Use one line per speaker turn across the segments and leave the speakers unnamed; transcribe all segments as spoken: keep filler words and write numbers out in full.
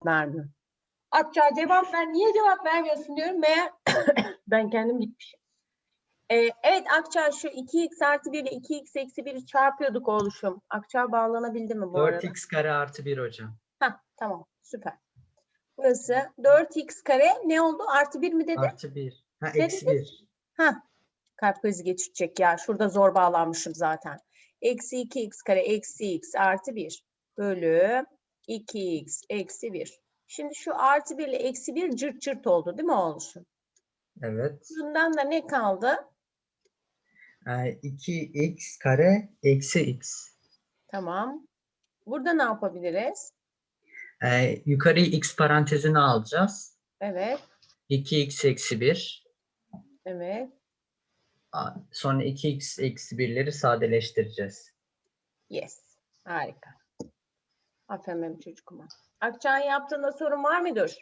cevap vermiyor. Akça cevap ver. Niye cevap vermiyorsun diyorum. Meğer ben kendim gitmişim. Ee, evet Akça şu iki x artı bir ile iki x eksi bir'i çarpıyorduk oğluşum. Akça bağlanabildi mi bu
dört
arada?
x kare artı bir hocam.
Hah, tamam süper. Burası dört x kare ne oldu? Artı bir mi dedi?
Artı bir. Ha
Ne
eksi
dedi?
bir.
Hah, kalp krizi geçirecek ya. Şurada zor bağlanmışım zaten. Eksi iki x kare eksi x artı bir bölü iki x eksi bir. Şimdi şu artı bir ile eksi bir cırt cırt oldu değil mi oğluşum?
Evet.
Bundan da ne kaldı?
Ee, iki x kare eksi x.
Tamam. Burada ne yapabiliriz?
Ee, yukarıyı x parantezine alacağız.
Evet,
iki x eksi bir.
evet.
A- Sonra iki x eksi birleri sadeleştireceğiz.
Yes. Harika. Aferin benim çocuğuma. Akçağ'ın yaptığında sorun var mıdır?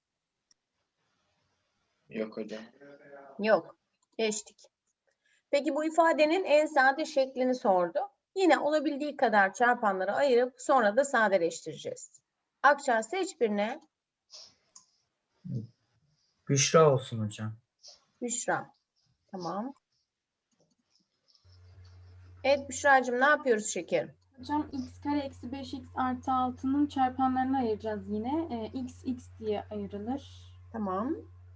Yok hocam.
Yok. Geçtik. Peki bu ifadenin en sade şeklini sordu. Yine olabildiği kadar çarpanları ayırıp sonra da sadeleştireceğiz. Akçağ seç birine.
Büşra olsun hocam.
Büşra. Tamam. Evet Büşra'cığım ne yapıyoruz şekerim?
Hocam x kare eksi beş x artı altının çarpanlarını ayıracağız yine. E, x x diye ayrılır.
Tamam.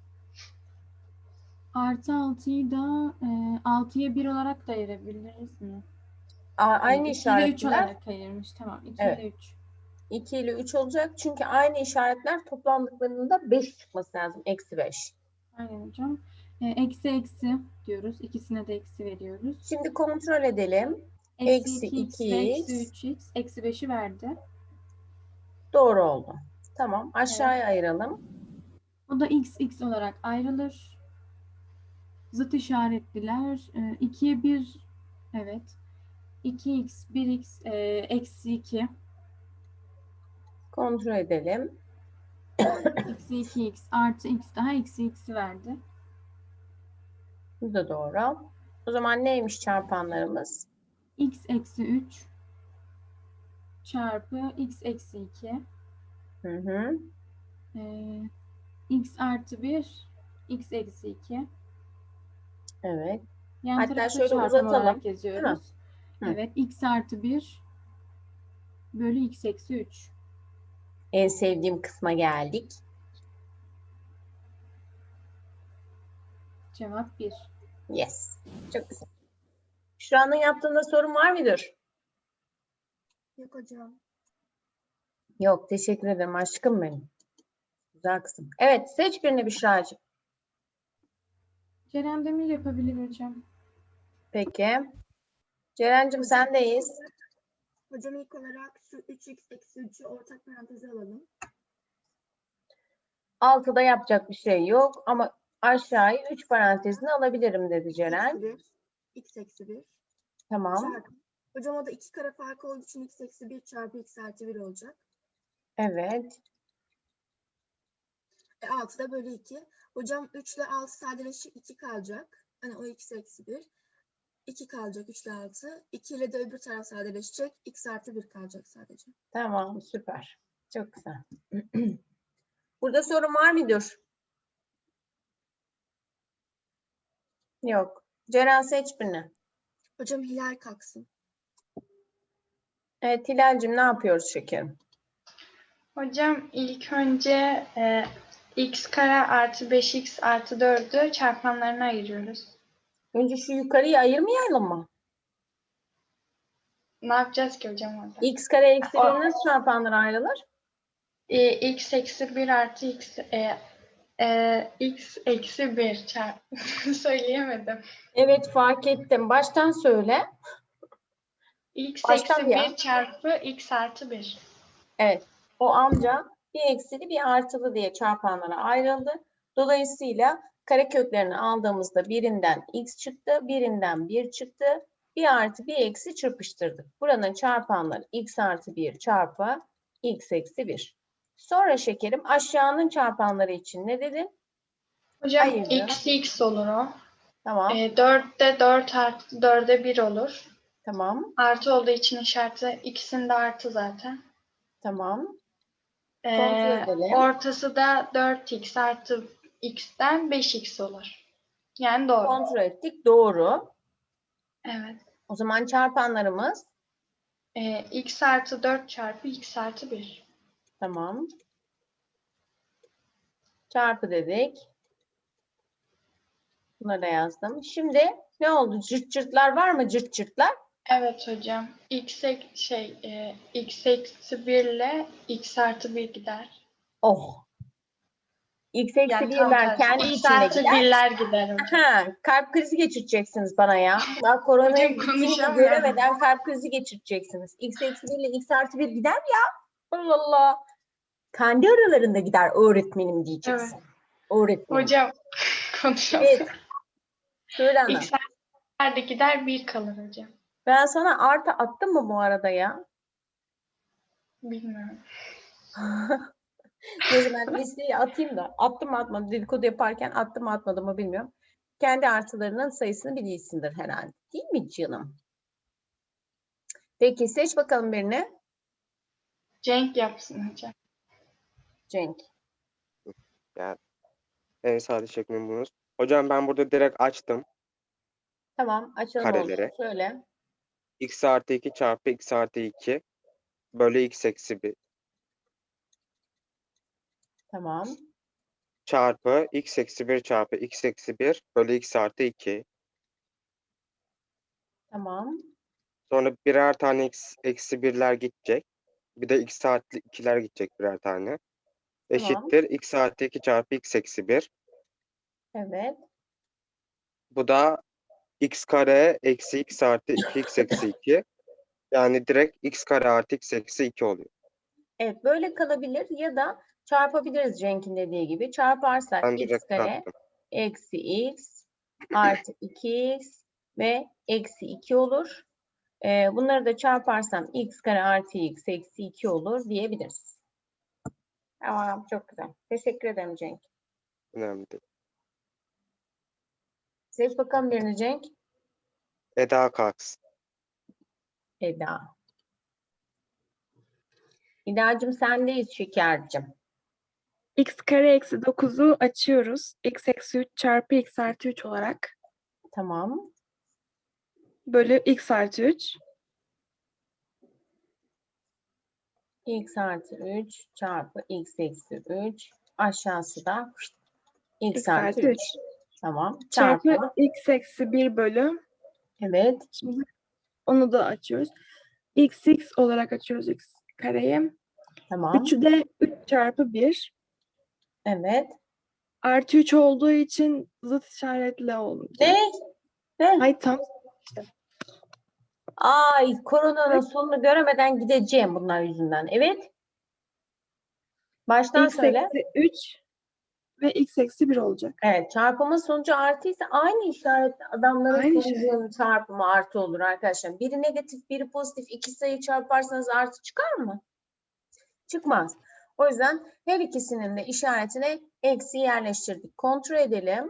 Artı altıyı da e, altıya bir olarak da ayırabiliriz mi?
A- aynı
E, iki ile üç
işaretler
olarak ayırmış. Tamam. iki
Evet.
ile üç.
iki ile üç olacak. Çünkü aynı işaretler toplandıklarında beş çıkması lazım. Eksi beş.
Aynen hocam. E, eksi eksi diyoruz. İkisine de eksi veriyoruz.
Şimdi kontrol edelim.
Eksi
Eksi
iki x ve eksi
iki x.
üç x. Eksi beşi verdi.
Doğru oldu. Tamam. Aşağıya ayıralım.
O da x x olarak ayrılır. Zıt işaretliler. E, ikiye bir evet. iki x, bir x, e, eksi iki.
Kontrol edelim.
Eksi iki x artı x daha eksi x'i verdi.
Bu da doğru. O zaman neymiş çarpanlarımız?
X eksi üç çarpı x eksi iki.
Hı hı.
E, x artı bir, x eksi iki.
Evet.
Yan
Hatta
tarafı
şöyle
çarpım
uzatalım,
olarak
değil mi?
yazıyoruz.
Hı.
Evet, x artı bir bölü x eksi üç.
En sevdiğim kısma geldik.
Cevap bir.
Yes. Çok güzel. Şura'nın yaptığında sorun var mıdır?
Yok hocam.
Yok. Teşekkür ederim aşkım benim. Güzel kızım. Evet. Seç birini Büşra'cığım.
Ceren Demir yapabilir hocam.
Peki. Ceren'cim sendeyiz.
Hocam ilk olarak şu üç x eksi üçü ortak paranteze alalım.
altıda yapacak bir şey yok ama aşağıyı üç parantezine alabilirim dedi Ceren.
Eksi bir. X eksi bir.
Tamam.
Çarpı. Hocam o da iki kare farkı olduğu için x eksi bir çarpı x artı bir olacak.
Evet.
E, altıda bölü iki. Hocam üç ile altı sadeleşecek, iki kalacak. Hani o x eksi bir. iki kalacak üç ile altı. iki ile de öbür taraf sadeleşecek. X artı bir kalacak sadece.
Tamam. Süper. Çok güzel. Burada sorun var mıdır? Yok. Ceren seç birini.
Hocam Hilal kalksın.
Evet Hilal'cim ne yapıyoruz şekerim?
Hocam ilk önce e, x kare artı beş x artı dördü çarpanlarına ayırıyoruz.
Önce şu yukarıyı ayırmayalım mı?
Ne yapacağız ki hocam orada?
X kare eksi
O-
bir nasıl çarpanlara ayrılır?
E, x eksi bir artı x e, e, x eksi bir çarp söyleyemedim.
Evet fark ettim. Baştan söyle.
x
Baştan
eksi
bir ya.
bir çarpı x artı bir.
Evet. O amca bir eksili bir artılı diye çarpanlara ayrıldı. Dolayısıyla kareköklerini aldığımızda birinden x çıktı, birinden bir çıktı. Bir artı bir eksi çırpıştırdık. Buranın çarpanları x artı bir çarpı x eksi bir. Sonra şekerim aşağının çarpanları için ne dedin?
Hocam
Ayırdı.
x x olur o.
Tamam,
E, dörtte dört artı dörde bir olur.
tamam,
Artı olduğu için işareti ikisinde artı zaten.
tamam. Kontrol
Ee,
edelim.
ortası da dört x artı x'ten beş x olur. Yani doğru.
Kontrol ettik. Doğru.
Evet.
O zaman çarpanlarımız
Ee, x artı dört çarpı x artı bir.
tamam. Çarpı dedik. Bunları da yazdım. Şimdi ne oldu? Cırt cırtlar var mı? Cırt cırtlar.
Evet hocam. X ek- şey e, x eksi bir ile x artı bir gider.
Oh. X eksi
Yani tam
birler
tersi.
kendi
X
içinde
artı
gider.
birler gider hocam.
Ha, kalp krizi geçireceksiniz bana ya. Daha koronayı
Hocam
bittiğini
konuşamıyorum.
göremeden kalp krizi geçireceksiniz. X eksi bir ile X artı bir gider ya. Allah Allah. Kendi aralarında gider öğretmenim diyeceksin.
Evet.
Öğretmenim.
Hocam konuşamıyorum.
Evet. Söyle ana.
X artı bir gider bir kalır hocam.
Ben sana artı attım mı bu arada ya?
Bilmiyorum.
Neyse ben listeyi atayım da. Attım mı atmadım. Dedikodu yaparken attım mı atmadım mı bilmiyorum. Kendi artılarının sayısını biliyorsundur herhalde. Değil mi canım? Peki seç bakalım birini.
Cenk yapsın hocam.
Cenk.
Yani en sade şeklini bulunuz. Hocam ben burada direkt açtım.
Tamam açalım
Kareleri.
olsun. Söyle.
X artı iki çarpı x artı iki bölü x eksi bir
Tamam.
çarpı x eksi bir çarpı x eksi bir bölü x artı iki.
Tamam.
Sonra birer tane x eksi birler gidecek. Bir de x artı ikiler gidecek birer tane. Eşittir x artı iki çarpı x eksi bir.
Evet.
Bu da x kare eksi x artı iki x eksi iki. Yani direkt x kare artı x eksi iki oluyor.
Evet böyle kalabilir ya da çarpabiliriz Cenk'in dediği gibi. Çarparsak
Ben
x
direkt
kare
çarptım.
eksi x artı iki x ve eksi iki olur. Ee, bunları da çarparsam x kare artı x eksi iki olur diyebiliriz. Tamam çok güzel. Teşekkür ederim Cenk.
Önemli değil.
Seç bakalım birini Cenk.
Eda kalksın.
Eda. İdacığım sendeyiz şekercim.
X kare eksi dokuzu açıyoruz. X eksi üç çarpı x artı üç olarak.
Tamam.
Bölü x artı üç.
X artı üç çarpı x eksi üç. Aşağısı da x,
X
artı
artı
üç.
üç.
Tamam.
Çarpı
Çarpı.
x eksi bir bölü.
Evet.
Şimdi onu da açıyoruz. X x olarak açıyoruz x kareyi.
Tamam.
üçü de üç çarpı bir.
Evet.
Artı üç olduğu için zıt işaretle olacak.
Ne? Ne?
Ay tam.
Ay koronanın sonunu göremeden gideceğim bunlar yüzünden. Evet. Baştan
X
söyle.
eksi üç ve x eksi bir olacak.
Evet. Çarpımın sonucu artıysa aynı işaretli adamların
Aynı
sonucunun çarpımı artı olur arkadaşlar. Biri negatif, biri pozitif. İki sayı çarparsanız artı çıkar mı? Çıkmaz. O yüzden her ikisinin de işaretine eksi yerleştirdik. Kontrol edelim.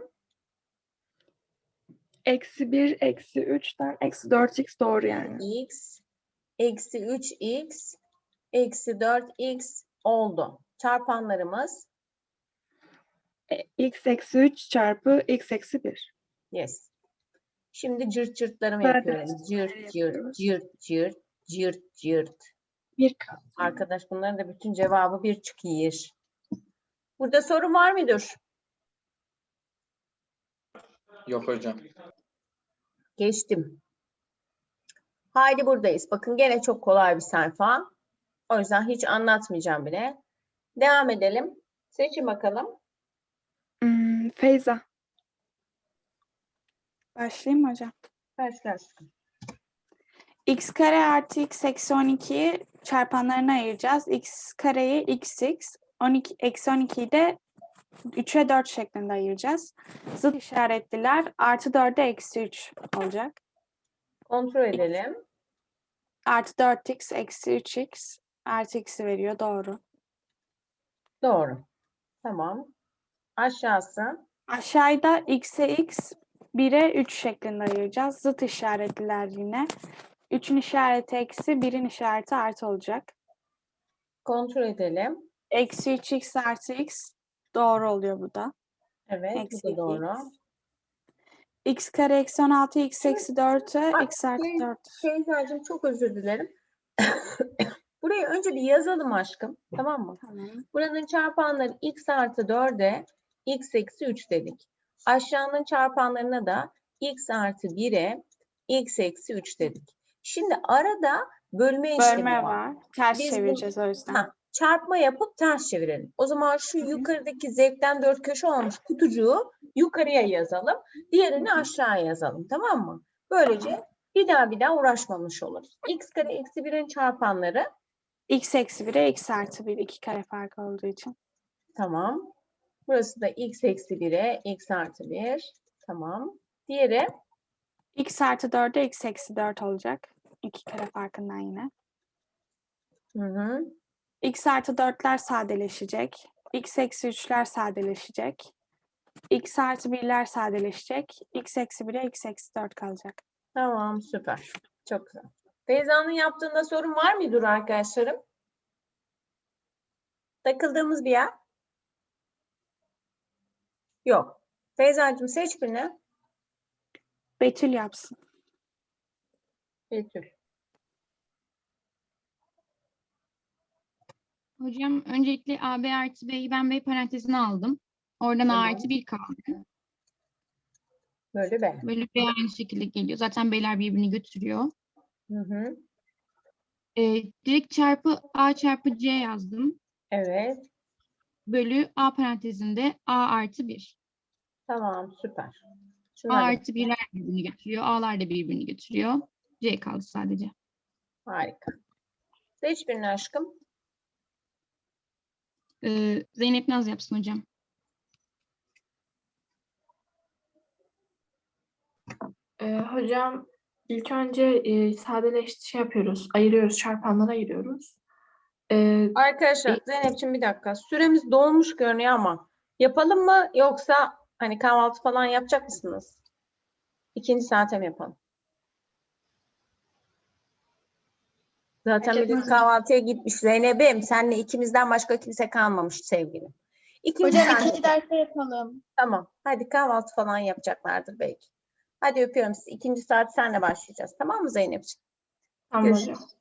Eksi bir, eksi üçten eksi dört x doğru yani.
X, eksi üç x, eksi dört x oldu. Çarpanlarımız
E, x eksi üç çarpı x eksi bir.
yes. Şimdi cırt cırtlarımı
Zaten
yapıyorum. Cırt cırt
yapıyoruz.
cırt cırt cırt cırt.
Bir kaldı.
Arkadaş bunların da bütün cevabı bir çıkıyor. Burada sorun var mıdır?
Yok hocam.
Geçtim. Haydi buradayız. Bakın gene çok kolay bir sayfa. O yüzden hiç anlatmayacağım bile. Devam edelim. Seçin bakalım.
Hmm, Feyza. Başlayayım mı hocam?
Başlarsın.
X kare artı x eksi on ikiyi çarpanlarına ayıracağız. X kareyi xx, on iki, eksi on ikiyi de üçe dört şeklinde ayıracağız. Zıt işaretliler artı dörde eksi üç olacak.
Kontrol edelim.
Artı dört x eksi üç x artı x'i veriyor. Doğru.
Doğru. Tamam. Aşağısı.
Aşağıda x'e x, bire üç şeklinde ayıracağız. Zıt işaretliler yine. üçün işareti eksi, birin işareti artı olacak.
Kontrol edelim.
Eksi üç x artı x doğru oluyor bu da.
Evet, bu
Eksi
da
iki
doğru.
X kare eksi on altı x eksi dört'e
Bak,
x artı
şey-
dört.
Şeydacığım çok özür dilerim. Burayı önce bir yazalım aşkım. Tamam mı?
Tamam.
Buranın çarpanları x artı dörde x eksi üç dedik. Aşağının çarpanlarına da x artı bire x eksi üç dedik. Şimdi arada bölme işlemi
Bölme
var.
var. Ters
Biz bu-
çevireceğiz o yüzden.
Ha, çarpma yapıp ters çevirelim. O zaman şu yukarıdaki zevkten dört köşe olmuş kutucuğu yukarıya yazalım. Diğerini aşağıya yazalım. Tamam mı? Böylece bir daha bir daha uğraşmamış oluruz. X kare eksi birin çarpanları.
X eksi bire x artı bir. iki kare farkı olduğu için.
Tamam. Burası da x eksi bire x artı bir. Tamam. Diğeri
X artı dörde x eksi dört olacak. iki kare farkından yine.
hı hı.
X artı dörtler sadeleşecek. X eksi üçler sadeleşecek. X artı birler sadeleşecek. X eksi bire x eksi dört kalacak.
Tamam, süper. Çok güzel. Beyza'nın yaptığında sorun var mıdır arkadaşlarım? Takıldığımız bir yer? Yok. Beyza'cığım seç birini.
Betül yapsın.
Betül.
Hocam öncelikle A B artı B'yi ben B parantezine aldım. Oradan A
Tamam.
artı bir kaldı.
Böyle be.
Böyle B aynı şekilde geliyor. Zaten B'ler birbirini götürüyor.
Hı hı.
Ee, direkt çarpı A çarpı C yazdım.
Evet.
Bölü A parantezinde A artı bir.
Tamam, süper.
A
Şunları
artı birler birbirini götürüyor. A'lar da birbirini götürüyor. C kaldı sadece.
harika. Seç birini aşkım.
Ee, Zeynep Naz yapsın hocam.
Ee, hocam ilk önce e, sadeleş şey yapıyoruz, ayırıyoruz, çarpanlara ayırıyoruz. Ee,
Arkadaşlar Zeynep'ciğim bir dakika. Süremiz dolmuş görünüyor ama yapalım mı yoksa hani kahvaltı falan yapacak mısınız? İkinci saate mi yapalım? Zaten
Fark
millet
etmez.
kahvaltıya gitmiş. Zeynep'im senle ikimizden başka kimse kalmamış sevgilim. İkinci
Hocam
saate
ikinci derste yapalım.
Tamam. Hadi kahvaltı falan yapacaklardır belki. Hadi öpüyorum sizi. İkinci saat senle başlayacağız. Tamam mı Zeynep'ciğim?
tamam
Görüşürüz.
hocam.